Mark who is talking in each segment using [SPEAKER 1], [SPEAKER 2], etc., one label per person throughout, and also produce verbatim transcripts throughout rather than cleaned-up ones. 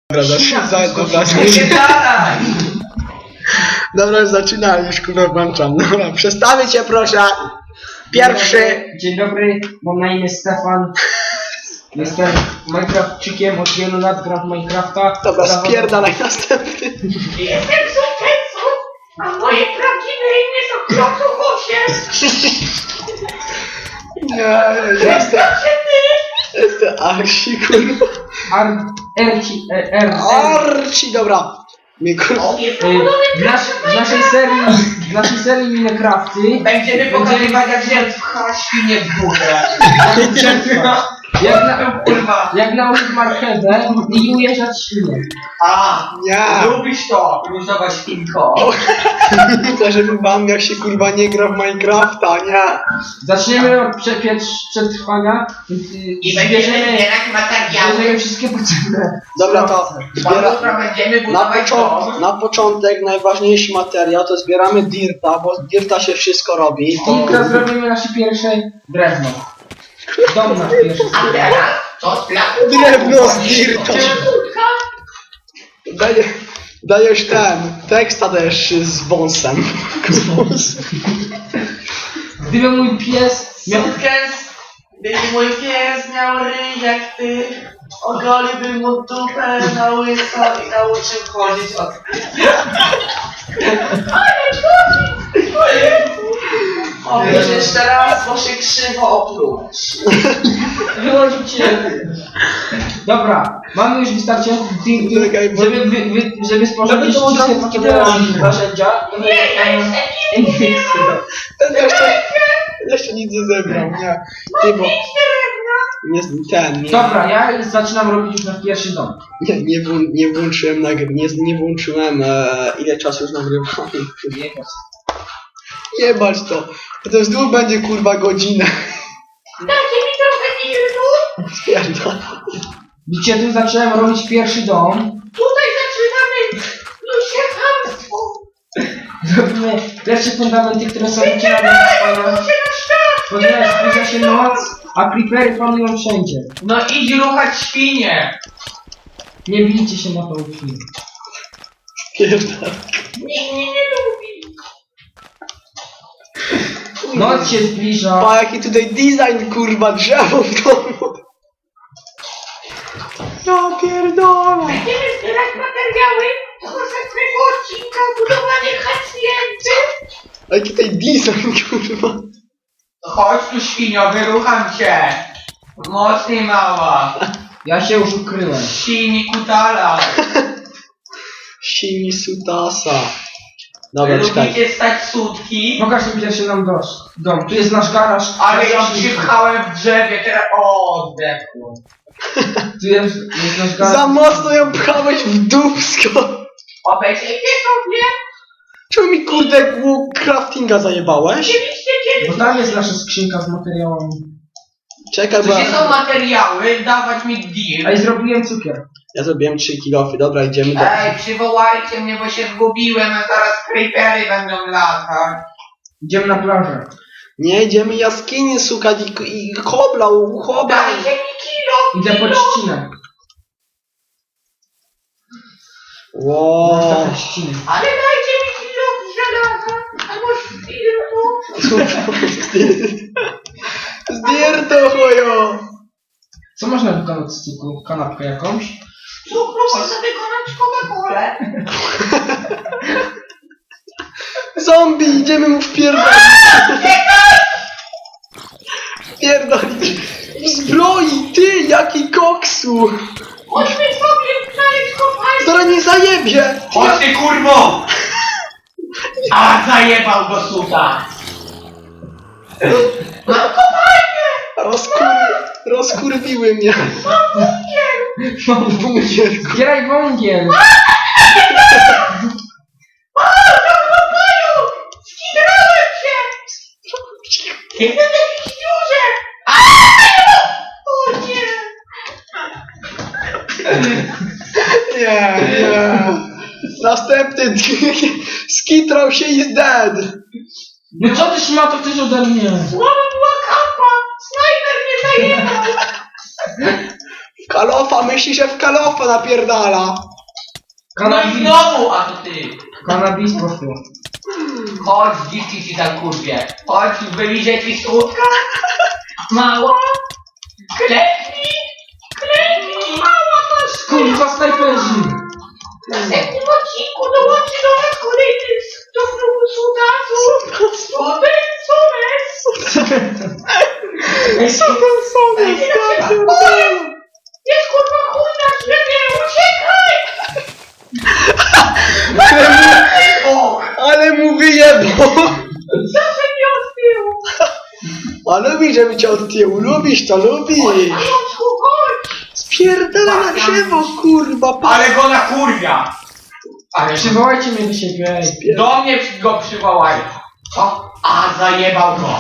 [SPEAKER 1] Dobra, za, za, dobra,
[SPEAKER 2] Wypierdalaj!
[SPEAKER 1] dobra, już zaczynam, już kurwa włączam. Dobra, przestawię cię proszę. Pierwszy.
[SPEAKER 3] Dzień dobry, mam na imię Stefan. Jestem Minecraftczykiem, od wielu lat gram w Minecrafta.
[SPEAKER 1] Dobra,
[SPEAKER 3] Zawod-
[SPEAKER 1] spierdalaj następny.
[SPEAKER 2] Jestem Sufecu, a moje prawdziwe imię to Klocu osiem.
[SPEAKER 1] Nie, jestem, jestem Arsi, kurwa.
[SPEAKER 3] Ar... Erci... E, R... R...
[SPEAKER 1] Arci, dobra. Mnie kurwa.
[SPEAKER 3] E, w, nas, w naszej serii... W naszej serii Minecrafty...
[SPEAKER 2] Będziemy pokazywać jak się pcha świnie w górę.
[SPEAKER 3] Jak na...
[SPEAKER 2] Kurwa.
[SPEAKER 3] Jak nałożyć marchewę i ujeżdżać świnie.
[SPEAKER 2] A,
[SPEAKER 1] Nie.
[SPEAKER 2] lubisz to, różowa świnko.
[SPEAKER 1] To żeby wam jak się kurwa nie gra w Minecrafta, nie.
[SPEAKER 3] Zaczniemy od prze, prze- przetrwania.
[SPEAKER 2] I będziemy zbierać materiały.
[SPEAKER 3] Zbierzemy wszystkie potrzebne.
[SPEAKER 1] Dobra, to
[SPEAKER 2] Bo
[SPEAKER 1] zbiera...
[SPEAKER 2] jutro będziemy
[SPEAKER 1] Na,
[SPEAKER 2] budować
[SPEAKER 1] początek,
[SPEAKER 2] dom.
[SPEAKER 1] na początek najważniejszy materiał to zbieramy dirta, bo z dirta się wszystko robi. To...
[SPEAKER 3] I teraz zrobimy nasze pierwsze drewno. Dom nasz pierwszy.
[SPEAKER 2] A teraz co z placu?
[SPEAKER 1] Drewno z dirta. Daje, dajesz ten, teksta dajesz z wąsem.
[SPEAKER 3] Gdyby mój pies miał...
[SPEAKER 2] Sukces, gdyby mój pies miał ryj jak ty, ogoliłbym mu dupę na łyso i nauczył chodzić od... Powiedz jeszcze raz, bo się krzywo oplułeś.
[SPEAKER 3] Wyłączył cię. Dobra, mamy już wystarczająco di- di-
[SPEAKER 1] Czekaj, bo-
[SPEAKER 3] żeby, wy, wy, żeby sporządzić
[SPEAKER 1] Żeby to
[SPEAKER 3] wszystkie
[SPEAKER 1] od razu
[SPEAKER 3] potrzebne
[SPEAKER 1] nie
[SPEAKER 3] narzędzia.
[SPEAKER 2] Nie, ja jeszcze nic nie
[SPEAKER 1] Ten jeszcze, jeszcze nic nie zebrał, nie. Ty, bo nie, ten, nie,
[SPEAKER 3] Dobra, ja zaczynam robić już nasz pierwszy dom.
[SPEAKER 1] nie, nie, włą- nie włączyłem, nagry, nie, nie włączyłem e, ile czasu już nagrywamy. Jebać to, to znów będzie kurwa godzinę.
[SPEAKER 2] Dajcie mi trochę dirtu.
[SPEAKER 1] Spierdolę.
[SPEAKER 3] Widzicie, tu zacząłem robić pierwszy dom.
[SPEAKER 2] Tutaj zaczynamy ludzie chamstwo.
[SPEAKER 3] Zrobimy pierwsze fundamenty, które są wycinane z spania. Ponieważ zbliża się noc, a creepery panują wszędzie.
[SPEAKER 2] No idź ruchać świnie.
[SPEAKER 3] Nie bijcie się na tą chwilę.
[SPEAKER 1] Spierdolę.
[SPEAKER 2] Nikt mnie nie lubi.
[SPEAKER 3] Noc się zbliża.
[SPEAKER 1] Pa, jaki tutaj design kurwa drzewo w domu. Ja pierdolę.
[SPEAKER 2] Będziemy zbierać materiały do następnego odcinka budowanie hacjenty.
[SPEAKER 1] Jaki tutaj design kurwa.
[SPEAKER 2] Chodź tu świnio, wyrucham cię. Mocniej mała.
[SPEAKER 3] Ja się już ukryłem.
[SPEAKER 2] Sini kutala.
[SPEAKER 1] Simi sutasa. Dobra, czekaj.
[SPEAKER 2] Lubicie stać sutki?
[SPEAKER 3] Pokaż mi pierwszy nam dos, dom. Tu jest nasz garaż.
[SPEAKER 2] Ale ją
[SPEAKER 3] Nasz-
[SPEAKER 2] przypchałem w drzewie, teraz o, zdechło.
[SPEAKER 3] Tu jest, jest nasz garaż.
[SPEAKER 1] Za mocno ją pchałeś w dupsko.
[SPEAKER 2] Obejrzyjcie sobie.
[SPEAKER 1] Czemu mi kurde łuk craftinga zajebałeś?
[SPEAKER 2] Oczywiście
[SPEAKER 3] Bo
[SPEAKER 2] kiedyś.
[SPEAKER 3] tam jest nasza skrzynka z materiałami.
[SPEAKER 1] Czekaj, bo
[SPEAKER 2] Gdzie
[SPEAKER 1] ja,
[SPEAKER 2] są materiały, dawać mi
[SPEAKER 3] A i
[SPEAKER 2] deal.
[SPEAKER 3] zrobiłem cukier.
[SPEAKER 1] ja zrobiłem trzy kilofy. Dobra, idziemy do...
[SPEAKER 2] Ej, przywołajcie mnie, bo się zgubiłem, a zaraz creepery będą latać.
[SPEAKER 3] Idziemy na plażę.
[SPEAKER 1] Nie, idziemy jaskini szukać i, i kobla, u kobla.
[SPEAKER 2] Dajcie mi kilo,
[SPEAKER 3] Idę po
[SPEAKER 2] kilo.
[SPEAKER 3] trzcinę.
[SPEAKER 1] Wow.
[SPEAKER 3] Wow. trzciny.
[SPEAKER 2] Ale dajcie mi kilo żelaza, albo szpilku.
[SPEAKER 1] Zdjęto chojo.
[SPEAKER 3] Co można wykonać z cukru? Kanapkę jakąś?
[SPEAKER 2] Cukru można wykonać Coca-Colę.
[SPEAKER 1] Zombie, idziemy mu wpierdolić. Wpierdolić. W zbroi, ty, jaki koksu.
[SPEAKER 2] Chodźmy sobie znaleźć kopalnię.
[SPEAKER 1] Zaraz nie zajebie.
[SPEAKER 2] Chodź ty kurwo! A zajebał go suta! Mam kopalnię!
[SPEAKER 1] Rozkur... Rozkurwiły mnie.
[SPEAKER 3] Mam
[SPEAKER 1] Bunkier.
[SPEAKER 3] Zbieraj węgiel!
[SPEAKER 2] O, do pokoju! Skidrałem się! Jestem w jakimś dziurze! Aaaa! O nie!
[SPEAKER 1] Nie, nie. Następny skitrał się i is dead.
[SPEAKER 3] No co ty szmato chcesz ode mnie?
[SPEAKER 2] Słaba była kampa! Snajper mnie zajebał!
[SPEAKER 1] Kalofa myśli, że w kalofa napierdala.
[SPEAKER 2] No i
[SPEAKER 3] Kanabis,
[SPEAKER 2] znowu, a to ty.
[SPEAKER 3] kanabis poszło.
[SPEAKER 2] Chodź, dziwki ci tam kurwie. Chodź, wyliżej ci słodka. Mała. Klepnij. Klepnij. Mała masz.
[SPEAKER 3] Kurwa, snajperzy!
[SPEAKER 2] W następnym odcinku dołączy do nas kolejny do klubu cudasu. Super, super.
[SPEAKER 3] Ej,
[SPEAKER 2] Ej, jest kurwa chuj na drzewie, uciekaj! O,
[SPEAKER 1] Ale mu wyjebał.
[SPEAKER 2] zawsze mnie odbił.
[SPEAKER 1] A lubisz, żeby cię od tyłu. Lubisz to, lubisz.
[SPEAKER 2] Pajączku, chodź.
[SPEAKER 1] Spierdala na drzewo, kurwa. pa-
[SPEAKER 2] Ale go na kurwia. Ale
[SPEAKER 3] Przywołajcie mnie do siebie, ej.
[SPEAKER 2] do mnie go przywołaj. Co? A, zajebał go.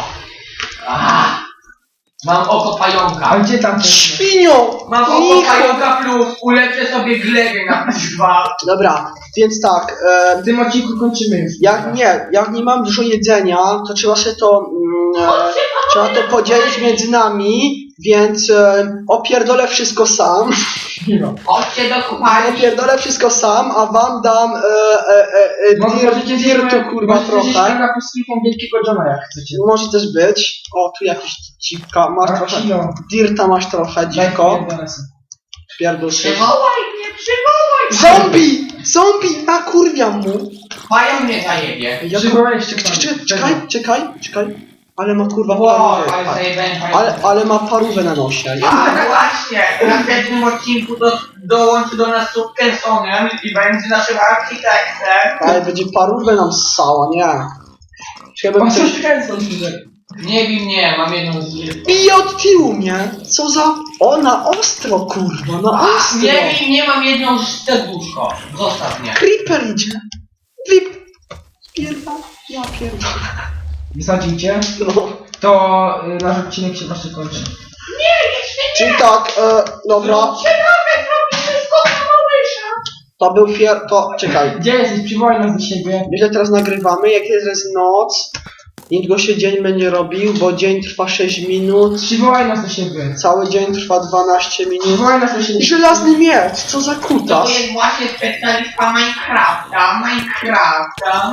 [SPEAKER 2] A, mam oko pająka.
[SPEAKER 3] A gdzie tam ten?
[SPEAKER 1] Świnią.
[SPEAKER 2] Mam oko
[SPEAKER 1] Nicho.
[SPEAKER 2] pająka plus, ulepszę sobie glebę na plus dwa.
[SPEAKER 1] Dobra, więc tak. E,
[SPEAKER 3] W tym odcinku kończymy już.
[SPEAKER 1] jak nie, jak nie mam dużo jedzenia, to trzeba się to... Mm, e, trzeba to podzielić między nami, więc e, opierdolę wszystko sam.
[SPEAKER 3] No.
[SPEAKER 2] Chodźcie do kuchni.
[SPEAKER 1] Opierdolę wszystko sam, a wam dam e, e, e, e,
[SPEAKER 3] Może
[SPEAKER 1] dir,
[SPEAKER 3] możecie
[SPEAKER 1] dirtu,
[SPEAKER 3] zjeść-
[SPEAKER 1] kurwa,
[SPEAKER 3] możecie zjeść
[SPEAKER 1] trochę.
[SPEAKER 3] kanapę z kilką wielkiego Johna, jak chcecie.
[SPEAKER 1] Może też być. O, tu jakiś dziwka, masz
[SPEAKER 3] A,
[SPEAKER 1] trochę.
[SPEAKER 3] kilo.
[SPEAKER 1] Dirta masz trochę,
[SPEAKER 3] Daj
[SPEAKER 1] dziwko.
[SPEAKER 3] pierdolę sobie.
[SPEAKER 1] Pierdol się.
[SPEAKER 2] Przywołaj mnie, przywołaj.
[SPEAKER 1] Zombie! Zombie! Nakurwiam mu!
[SPEAKER 2] Pająk mnie zajebie.
[SPEAKER 1] Ja
[SPEAKER 3] Przywołaliście
[SPEAKER 1] Czekaj,
[SPEAKER 3] panią.
[SPEAKER 1] czekaj, czekaj, czekaj. Ale ma kurwa
[SPEAKER 2] Wow,
[SPEAKER 1] parówę.
[SPEAKER 2] ale zajebałem pająka.
[SPEAKER 1] Ale, ale ma parówę na nosie. Ja,
[SPEAKER 2] A właśnie, w następnym odcinku do, dołączy do nas Subkensonem i będzie naszym architektem.
[SPEAKER 1] ale będzie parówę nam ssała, nie. Trzeba
[SPEAKER 3] O,
[SPEAKER 1] by
[SPEAKER 3] coś
[SPEAKER 1] coś...
[SPEAKER 3] kręcą tutaj.
[SPEAKER 2] Nie wiem, nie, mam jedną z nich.
[SPEAKER 1] Bije od tyłu mnie! Co za... O, na ostro, kurwa, na ostro!
[SPEAKER 2] Nie wiem, nie mam jedną z serduszko. Zostaw mnie.
[SPEAKER 1] Creeper idzie! Flip! Spierdam, ja pierdolę.
[SPEAKER 3] Wysadzicie?
[SPEAKER 1] No.
[SPEAKER 3] To y, nasz odcinek się właśnie kończy.
[SPEAKER 2] Nie, jeszcze
[SPEAKER 1] Czyli tak, e, dobra,
[SPEAKER 2] Ciekawe, zrobi wszystko na małysza.
[SPEAKER 1] to był fier... to... czekaj.
[SPEAKER 3] Gdzie jesteś? Przywołaj nas do siebie.
[SPEAKER 1] My się teraz nagrywamy, jak jest noc, niedługo się dzień będzie robił, bo dzień trwa sześć minut,
[SPEAKER 3] Przywołaj nas do siebie.
[SPEAKER 1] cały dzień trwa dwanaście minut.
[SPEAKER 3] Przywołaj nas do siebie.
[SPEAKER 1] I żelazny miecz, co za
[SPEAKER 2] To
[SPEAKER 1] kutas.
[SPEAKER 2] jest właśnie specjalista Minecrafta, Minecrafta.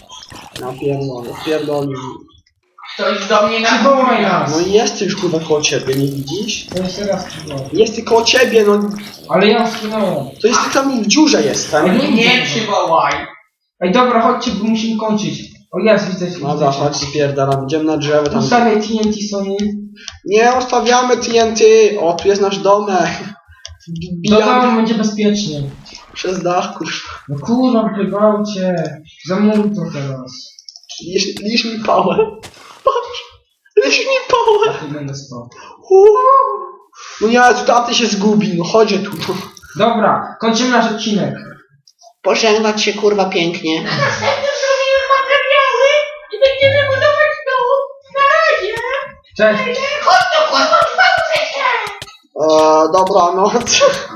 [SPEAKER 1] Ja pierdolę, pierdolę.
[SPEAKER 2] Ktoś do mnie na...
[SPEAKER 3] Przywołaj nas.
[SPEAKER 1] No i jest już kurwa koło ciebie, nie widzisz?
[SPEAKER 3] To jeszcze raz przywołaj.
[SPEAKER 1] Jest ty koło ciebie, no
[SPEAKER 3] Ale ja skinąłem.
[SPEAKER 1] to jest ty tam w dziurze jestem.
[SPEAKER 3] Nie,
[SPEAKER 2] Nie przywołaj.
[SPEAKER 3] Ej, dobra, chodźcie, bo musimy kończyć. O, jest, widzę.
[SPEAKER 1] Dobra, chodź spierdalam, idziemy na drzewo tam.
[SPEAKER 3] Ustawiaj T N T Sony.
[SPEAKER 1] Nie, ustawiamy T N T. O, tu jest nasz domek.
[SPEAKER 3] Do
[SPEAKER 1] Wbijamy
[SPEAKER 3] domu będzie bezpiecznie.
[SPEAKER 1] przez dach, kurwa.
[SPEAKER 3] No kurwa, wygrywacie. Zamuruj to teraz.
[SPEAKER 1] Lisz, lisz mi pałę. Patrz, lisz mi pałę.
[SPEAKER 3] Ja tu będę spał.
[SPEAKER 1] Uuu. No nie, tu taty się zgubi, no chodź tu.
[SPEAKER 3] Dobra, kończymy nasz odcinek.
[SPEAKER 1] Pożegnać się kurwa pięknie.
[SPEAKER 2] Następnie zrobimy materiały i będziemy budować dom. Na razie.
[SPEAKER 3] Cześć.
[SPEAKER 2] Chodź do kurwa, dwa trzecie.
[SPEAKER 1] Eee, dobranoc.